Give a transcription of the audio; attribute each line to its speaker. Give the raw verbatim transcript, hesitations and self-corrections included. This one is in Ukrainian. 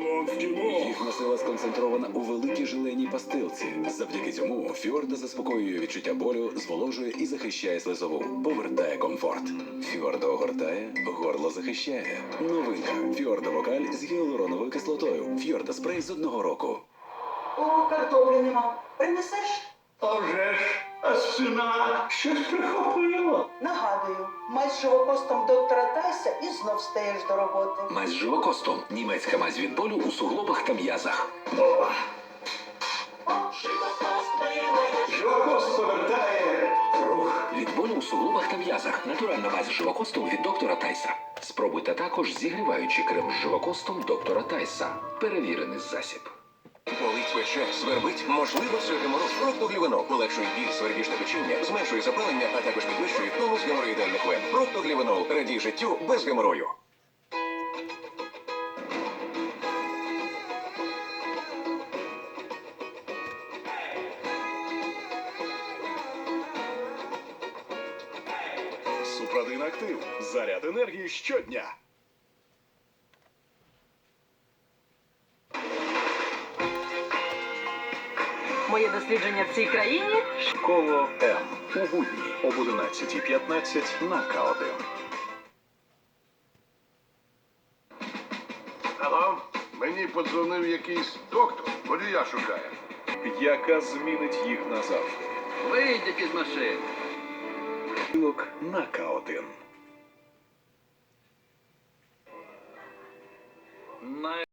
Speaker 1: Їхня сила сконцентрована у великій желеній пастилці. Завдяки цьому Фіорда заспокоює відчуття болю, зволожує і захищає слизову. Повертає комфорт. Фіорда огортає, горло захищає. Новинка. Фіорда Вокаль з гіалуроновою кислотою. Фіорда спрей з одного року.
Speaker 2: О, картоплі нема. Принесеш?
Speaker 3: А вже ж, а сина щось прихопило.
Speaker 2: Нагадую, мазь з живокостом доктора Тайса і знов стаєш до роботи.
Speaker 4: Мазь з живокостом. Німецька мазь від болю у суглобах та м'язах.
Speaker 3: О. Живокост повертає рух.
Speaker 4: Від болю у суглобах та м'язах. Натуральна мазь з живокостом від доктора Тайса. Спробуйте також зігріваючий крем з живокостом доктора Тайса. Перевірений засіб.
Speaker 5: Болить, пече, свербить, можливо, це геморроз. Проктоглівенол полегшує біль, свербіжне печіння, зменшує запалення, а також підвищує тонус геморроїдальних вен. Проктоглівенол. Радій життю без геморою.
Speaker 6: Супрадин Актив. Заряд енергії щодня.
Speaker 7: Моє дослідження в цій країні.
Speaker 6: Коло М. У будні об одинадцятій п'ятнадцять на К один.
Speaker 8: Алло, мені подзвонив якийсь доктор, водія шукає.
Speaker 6: Яка змінить їх назавжди.
Speaker 3: Вийдіть із машини.
Speaker 6: На К один.